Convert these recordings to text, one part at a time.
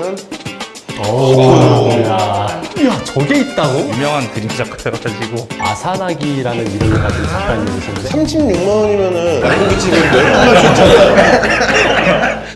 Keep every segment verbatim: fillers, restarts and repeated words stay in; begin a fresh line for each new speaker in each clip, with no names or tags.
보면은
오, 야, 야, 저게 있다고?
유명한 그림 작가여가지고
아사나기라는 이름을 가진 작가님이신데
삼십육만 원이면은 양고기 집을 멸망할 수 있잖아요.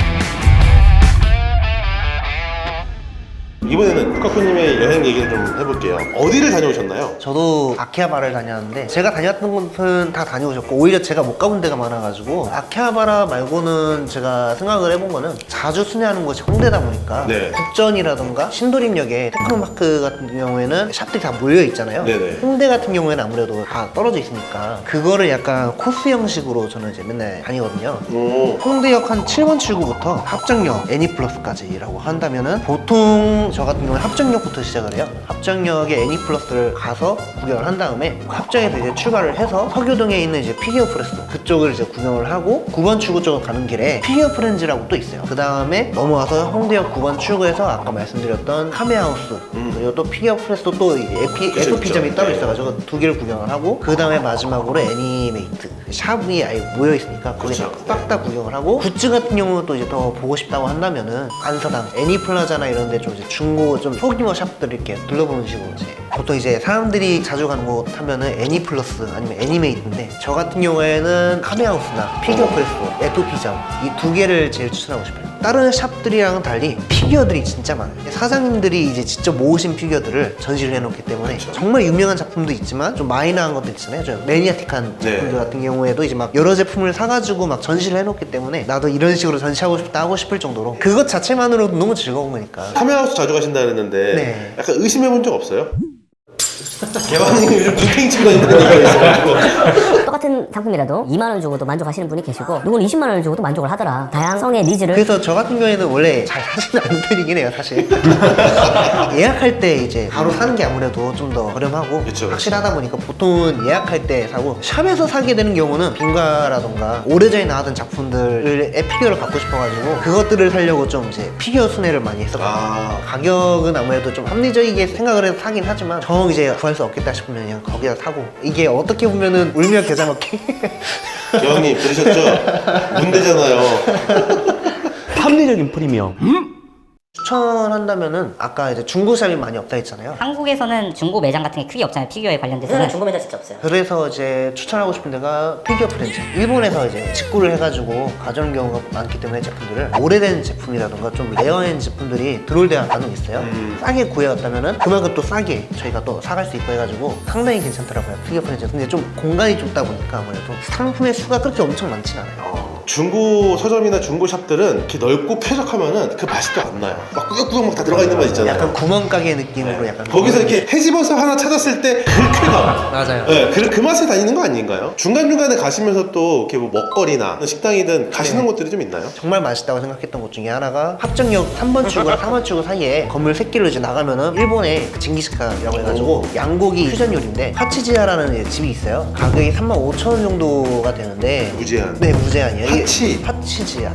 이번에는 쿠카쿠님의 여행 얘기를 좀 해볼게요. 어디를 다녀오셨나요?
저도 아키하바라를 다녔는데 제가 다녔던 곳은 다 다녀오셨고 오히려 제가 못 가본 데가 많아가지고 아키하바라 말고는 제가 생각을 해본 거는 자주 순회하는 곳이 홍대다 보니까
네.
국전이라던가 신도림역에 테크노마크 같은 경우에는 샵들이 다 몰려 있잖아요.
네네.
홍대 같은 경우에는 아무래도 다 떨어져 있으니까 그거를 약간 코스 형식으로 저는 이제 맨날 다니거든요.
오.
홍대역 한 칠 번 출구부터 합정역 애니플러스까지라고 한다면은 보통 저 같은 경우는 합정역부터 시작을 해요. 합정역에 애니플러스를 가서 구경을 한 다음에 합정에서 이제 출발을 해서 서교동에 있는 이제 피규어 프레스 그쪽을 이제 구경을 하고 구 번 출구 쪽으로 가는 길에 피규어 프렌즈라고 또 있어요. 그 다음에 넘어와서 홍대역 구 번 출구에서 아까 말씀드렸던 카메하우스
음.
그리고 또 피규어 프레스도 또 에피,
그쵸,
에프피점이
그쵸.
따로
네.
있어가지고 두 개를 구경을 하고 그 다음에 마지막으로 애니메이트 샵이 아예 모여 있으니까 거기
그쵸.
싹 다 구경을 하고 굿즈 같은 경우는 또 이제 더 보고 싶다고 한다면은 안사당, 애니플라자나 이런 데 좀 이제 중고 좀 소규모 샵들 이렇게 둘러보는 식으로 이제 보통 이제 사람들이 자주 가는 곳 하면은 애니플러스 아니면 애니메이트인데 저 같은 경우에는 카메하우스나 피규어 프레스, 에토피점 이 두 개를 제일 추천하고 싶어요. 다른 샵들이랑은 달리 피규어들이 진짜 많아요. 사장님들이 이제 직접 모으신 피규어들을 전시를 해놓기 때문에 정말 유명한 작품도 있지만 좀 마이너한 것도 있잖아요. 좀 매니아틱한
네.
작품들 같은 경우에도 이제 막 여러 제품을 사가지고 막 전시를 해놓기 때문에 나도 이런 식으로 전시하고 싶다 하고 싶을 정도로 그것 자체만으로도 너무 즐거운 거니까.
카메라하우스 자주 가신다 그랬는데
네.
약간 의심해본 적 없어요? 개발님이 요즘 눈탱이 치고 다닌다는 얘기가 있어가지고
똑같은 상품이라도 이만 원 주고도 만족하시는 분이 계시고 누군 이십만 원을 주고도 만족을 하더라. 다양성의 니즈를
그래서 저 같은 경우에는 원래 잘 사지는 않는 편이긴 해요, 사실. 예약할 때 이제 바로 사는 게 아무래도 좀 더 저렴하고
그쵸, 그쵸.
확실하다 보니까 보통은 예약할 때 사고 샵에서 사게 되는 경우는 빙가라던가 오래전에 나왔던 작품들의 피규어를 갖고 싶어가지고 그것들을 사려고 좀 이제 피규어 순회를 많이 했었거든요.
아.
가격은 아무래도 좀 합리적이게 생각을 해서 사긴 하지만 정 이제 구할 수 없겠다 싶으면 그냥 거기다 사고 이게 어떻게 보면은 울며 겨자 먹기
여왕님 들으셨죠? 문대잖아요.
합리적인 프리미엄.
추천한다면은 아까 이제 중고샵이 많이 없다 했잖아요.
한국에서는 중고 매장 같은 게 크게 없잖아요. 피규어에 관련돼서는 중고 매장 진짜 없어요.
그래서 이제 추천하고 싶은 데가 피규어 프렌즈. 일본에서 이제 직구를 해가지고 가져오는 경우가 많기 때문에 제품들을 오래된 제품이라던가 좀 레어한 제품들이 들어올 때가 간혹 있어요.
음.
싸게 구해왔다면은 그만큼 또 싸게 저희가 또 사갈 수 있고 해가지고 상당히 괜찮더라고요. 피규어 프렌즈. 근데 좀 공간이 좁다 보니까 아무래도 상품의 수가 그렇게 엄청 많진 않아요.
어, 중고 서점이나 중고 샵들은 이렇게 넓고 쾌적하면은 그 맛이 또 안 나요. 막 꾸역꾸역 막 다 들어가 있는 맛 있잖아요.
약간 구멍가게 느낌으로 약간
거기서 이렇게 헤집어서 하나 찾았을 때 그 쾌감.
맞아요.
네, 그, 그 맛에 다니는 거 아닌가요? 중간중간에 가시면서 또 이렇게 뭐 먹거리나 식당이든 가시는 곳들이 좀 있나요?
정말 맛있다고 생각했던 곳 중에 하나가 합정역 삼 번 출구랑 사 번 출구 사이에 건물 새길로 이제 나가면은 일본의 그 징기스칸이라고 해가지고 양고기 퓨전 요리인데 파치지아라는 이제 집이 있어요. 가격이 삼만 오천 원 정도가 되는데
무제한.
네, 무제한이에요. 이게
파치.
파치지아.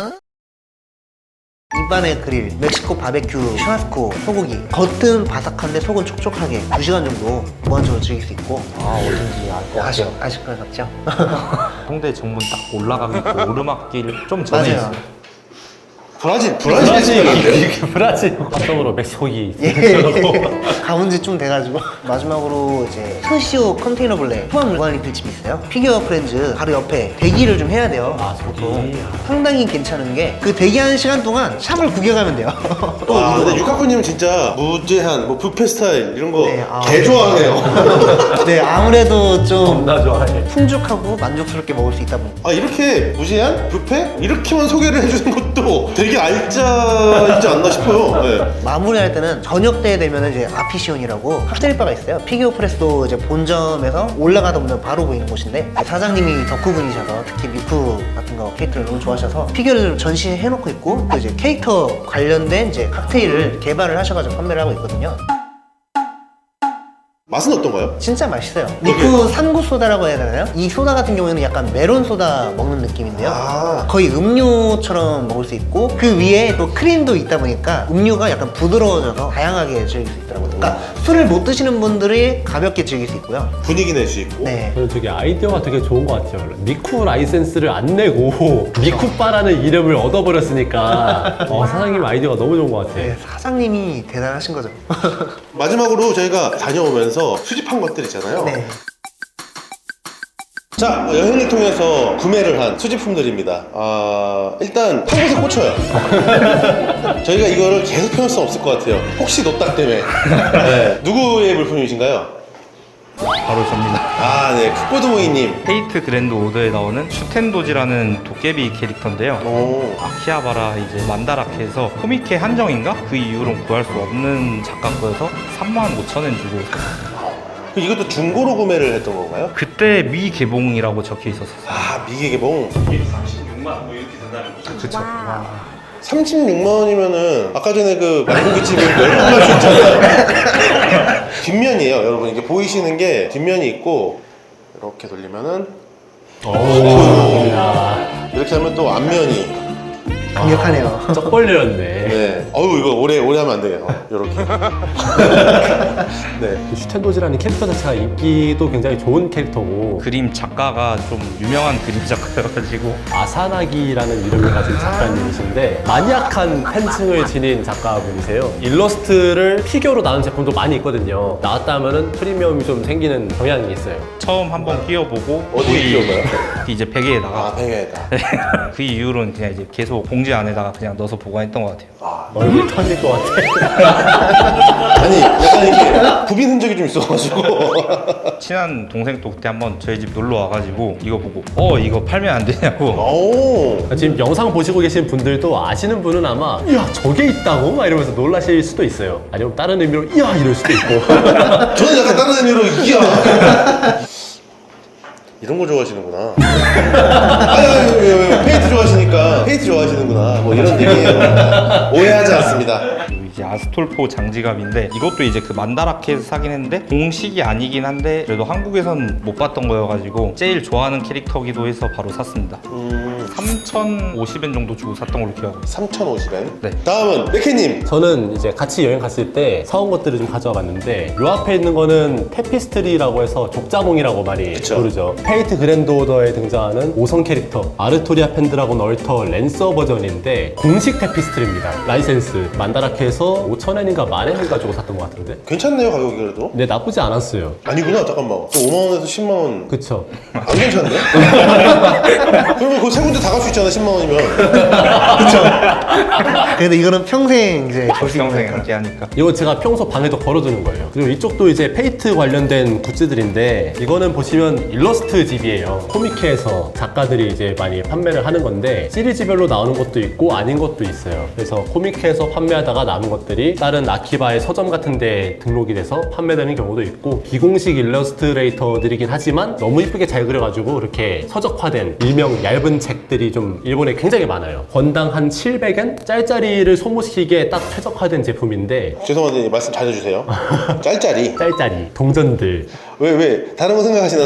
입안의 그릴, 멕시코 바베큐, 슈라스코, 소고기. 겉은 바삭한데 속은 촉촉하게 두 시간 정도 무한적으로 즐길 수 있고.
아, 어딘지 알 것
아실,
같아요.
아실 것 같죠?
홍대 정문 딱 올라가면 그 오르막길 좀 전에
맞아요.
있어요.
브라질, 브라질 지역인데.
브라질. 합성으로 멕시코기.
예. 가본 지 좀 돼가지고 마지막으로 이제 스시오 컨테이너 블랙 포함 무한 리필집이 있어요. 피규어 프렌즈 바로 옆에 대기를 좀 해야 돼요.
아, 저기.
상당히 괜찮은 게 그 대기하는 시간 동안 샵을 구경하면 돼요. 또
와,
이거
근데 유카쿠님은 진짜 무제한, 뭐 뷔페 스타일 이런 거
네, 아.
개 좋아하네요.
네, 아무래도 좀
나 좋아해.
풍족하고 만족스럽게 먹을 수 있다 보니까
아, 이렇게 무제한? 뷔페? 이렇게만 소개를 해주는 것도 되게 알짜이지 않나 싶어요. 네.
마무리할 때는 저녁 때 되면 이제 아피시온이라고 칵테일바가 있어요. 피규어 프레스도 이제 본점에서 올라가다 보면 바로 보이는 곳인데 사장님이 덕후분이셔서 특히 미쿠 같은 거 케이크를 너무 좋아하셔서 피규어를 전시해 놓고 있고 또 이제 캐릭터 관련된 이제 칵테일을 개발을 하셔가지고 판매를 하고 있거든요.
맛은 어떤가요?
진짜 맛있어요. 미쿠 산구 소다라고 해야 되나요? 이 소다 같은 경우에는 약간 메론 소다 먹는 느낌인데요.
아.
거의 음료처럼 먹을 수 있고 그 위에 또 크림도 있다 보니까 음료가 약간 부드러워져서 다양하게 즐길 수 있더라고요. 그러니까 술을 못 드시는 분들이 가볍게 즐길 수 있고요.
분위기 낼 수 있고.
네.
저는 되게 아이디어가 되게 좋은 것 같아요. 미쿠 라이센스를 안 내고 미쿠바라는 이름을 얻어버렸으니까 어, 사장님 아이디어가 너무 좋은 것 같아요.
네, 사장님이 대단하신 거죠.
마지막으로 저희가 다녀오면서 수집한 것들 있잖아요.
네.
자, 여행을 통해서 구매를 한 수집품들입니다. 아, 일단 한 곳에 꽂혀요. 저희가 이거를 계속 펴놓을 수 없을 것 같아요. 혹시 노딱 때문에. 네. 누구의 물품이신가요?
바로 접니다.
아, 네. 크코드모이님.
페이트 그랜드 오더에 나오는 슈텐도지라는 도깨비 캐릭터인데요.
오.
아키하바라 이제 만다라케에서 코미케 한정인가? 그 이후로는 구할 수 없는 작가 거여서 삼만 오천 엔 주고 샀어요.
이것도 중고로 구매를 했던 건가요?
그때 미 개봉이라고 적혀 있었어요.
아, 미개 개봉.
삼십육만 뭐 이렇게 된다는 거죠.
그쵸. 삼십육만 원이면은 아까 전에 그 말고기집을 열번 수 있잖아요. 뒷면이에요, 여러분. 이게 보이시는 게 뒷면이 있고 이렇게 돌리면은 이렇게 하면 또 앞면이.
강력하네요.
쩍 벌려졌네.
네. 어우 이거 오래 오래 하면 안 되네요. 이렇게. 네.
슈텐도지라는 캐릭터 자체가 인기도 굉장히 좋은 캐릭터고
그림 작가가 좀 유명한 그림 작가여가지고
아사나기라는 이름을 가진 작가님이신데 마니악한 팬층을 지닌 작가분이세요. 일러스트를 피규어로 나온 제품도 많이 있거든요. 나왔다 하면은 프리미엄이 좀 생기는 경향이 있어요.
처음 한번 끼워보고
어디에
거의
끼워봐요?
이제 베개에다가
아, 팽이다.
그 이후로는 그냥 이제 계속 봉지 안에다가 그냥 넣어서 보관했던 것 같아요.
얼굴 터질 것 같아.
아니, 약간 이게 부빈 흔적이 좀 있어가지고.
친한 동생도 그때 한번 저희 집 놀러 와가지고 이거 보고 어 이거 팔면 안 되냐고
오.
지금 영상 보시고 계신 분들도 아시는 분은 아마 이야 저게 있다고? 막 이러면서 놀라실 수도 있어요. 아니면 다른 의미로 이야 이럴 수도 있고.
저는 약간 다른 의미로 이야. 이런 거 좋아하시는구나. 아니, 아니, 왜, 왜, 왜, 페이트 좋아하시니까 페이트 좋아하시는구나. 뭐 이런 얘기예요. 오해하지 않습니다.
그리고 이제 아스톨포 장지갑인데 이것도 이제 그 만다라케에서 사긴 했는데 공식이 아니긴 한데 그래도 한국에선 못 봤던 거여가지고 제일 좋아하는 캐릭터기도 해서 바로 샀습니다.
음,
삼천오십 엔 정도 주고 샀던 걸로 기억하고 있어요.
삼천오십 엔.
네.
다음은 레케님.
저는 이제 같이 여행 갔을 때 사온 것들을 좀 가져와 봤는데 요 앞에 있는 거는 테피스트리라고 해서 족자몽이라고 많이
그쵸.
부르죠. 페이트 그랜드 오더에 등장하는 오성 캐릭터 아르토리아 펜드라곤 얼터 랜서 버전인데 공식 테피스트리입니다. 라이센스 만다라케에서 오천 엔인가 만 엔을 가지고 샀던 것 같은데
괜찮네요, 가격이 그래도.
근데 나쁘지 않았어요.
아니구나, 잠깐만. 또 오만 원에서 십만 원.
그쵸?
안 괜찮네? 그러면 그 세 군데 다 갈 수 있잖아, 십만 원이면.
그래도 이거는 평생 이제 볼 수 있는
평생
거니까.
함께 하니까.
이거 제가 평소 방에도 걸어두는 거예요. 그리고 이쪽도 이제 페이트 관련된 굿즈들인데 이거는 보시면 일러스트 집이에요. 코미케에서 작가들이 이제 많이 판매를 하는 건데 시리즈별로 나오는 것도 있고 아닌 것도 있어요. 그래서 코미케에서 판매하다가 남은 것들이 다른 아키바의 서점 같은 데 등록이 돼서 판매되는 경우도 있고 비공식 일러스트레이터들이긴 하지만 너무 이쁘게 잘 그려가지고 이렇게 서적화된 일명 얇은 책들이 좀 일본에 굉장히 많아요. 권당 한 칠백 엔? 짤짜리를 소모시기에 딱 최적화된 제품인데
죄송한데 말씀 잘 해주세요. 짤짤이.
짤짜리, 동전들,
왜, 왜? 다른 거 생각하시나요?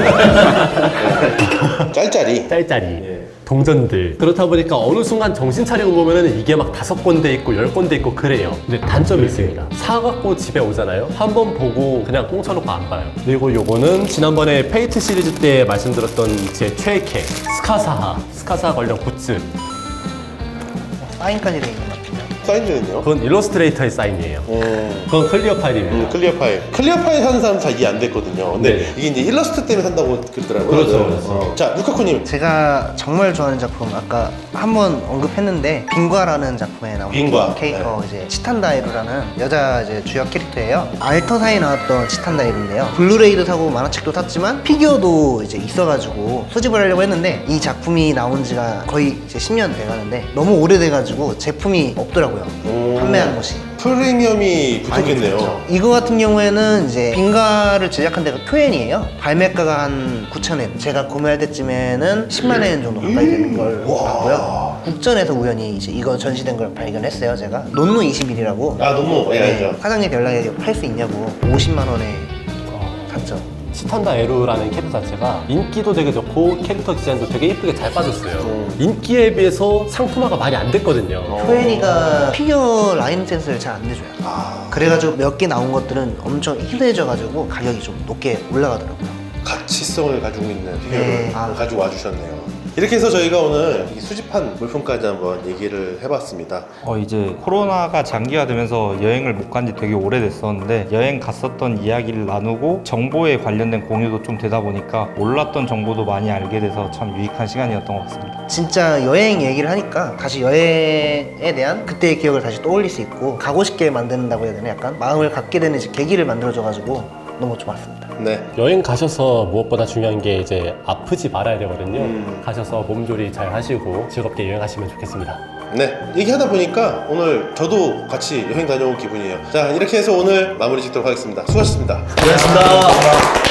네. 짤짤이.
짤짜리, 동전들. 그렇다 보니까 어느 순간 정신 차리고 보면은 이게 막 다섯 건대 있고 열 건대 있고 그래요. 근데 단점이 있습니다. 사갖고 집에 오잖아요. 한번 보고 그냥 꽁쳐놓고 안 봐요. 그리고 요거는 지난번에 페이트 시리즈 때 말씀드렸던 제 최애캐 스카사하, 스카사 관련 굿즈.
사인까지 돼 있는 것 같아요.
사인드는요?
그건 일러스트레이터의 사인이에요.
음.
그건 클리어 파일입니다.
음, 클리어 파일. 클리어 파일 사는 사람 잘 이해 안 됐거든요. 근데
네.
이게 이제 일러스트 때문에 산다고 그러더라고요.
그렇죠,
다들.
그렇죠.
어. 자, 루카쿠님.
제가 정말 좋아하는 작품 아까 한번 언급했는데 빙과라는 작품에 나온
빙과.
캐릭터 이제 치탄다이루라는 여자 이제 주역 캐릭터예요. 알터사에 나왔던 치탄다이루인데요. 블루레이도 사고 만화책도 샀지만 피규어도 이제 있어가지고 수집을 하려고 했는데 이 작품이 나온 지가 거의 이제 십 년 돼가는데 너무 오래돼가지고 제품이 없더라고요.
음.
판매하는 곳이.
프리미엄이 붙었겠네요.
그렇죠. 이거 같은 경우에는 이제 빙가를 제작한 데가 쿄엔이에요. 발매가가 한 구천 엔. 제가 구매할 때쯤에는 십만 엔 정도 가까이 되는 걸 봤고요. 국전에서 우연히 이제 이거 전시된 걸 발견했어요, 제가. 논노 이십일이라고.
아, 너무, 예, 알죠.
사장님 연락에 팔 수 있냐고 오십만 원에 단점.
시탄다 에루라는 캐릭터 자체가 인기도 되게 좋고 캐릭터 디자인도 되게 예쁘게 잘 빠졌어요. 인기에 비해서 상품화가 많이 안 됐거든요.
토엔이가 피규어 라인 센스를 잘 안 내줘요.
아,
그래가지고 몇 개 나온 것들은 엄청 희대해져가지고 가격이 좀 높게 올라가더라고요.
가치성을 가지고 있는 피규어를
네. 아.
가지고 와주셨네요. 이렇게 해서 저희가 오늘 이 수집한 물품까지 한번 얘기를 해봤습니다.
어 이제 코로나가 장기화되면서 여행을 못 간 지 되게 오래됐었는데 여행 갔었던 이야기를 나누고 정보에 관련된 공유도 좀 되다 보니까 몰랐던 정보도 많이 알게 돼서 참 유익한 시간이었던 것 같습니다.
진짜 여행 얘기를 하니까 다시 여행에 대한 그때의 기억을 다시 떠올릴 수 있고 가고 싶게 만든다고 해야 되나 약간 마음을 갖게 되는 이제 계기를 만들어줘가지고 너무 좋았습니다.
네.
여행 가셔서 무엇보다 중요한 게 이제 아프지 말아야 되거든요.
음.
가셔서 몸조리 잘 하시고 즐겁게 여행하시면 좋겠습니다.
네. 얘기하다 보니까 오늘 저도 같이 여행 다녀온 기분이에요. 자, 이렇게 해서 오늘 마무리 짓도록 하겠습니다. 수고하셨습니다.
고맙습니다.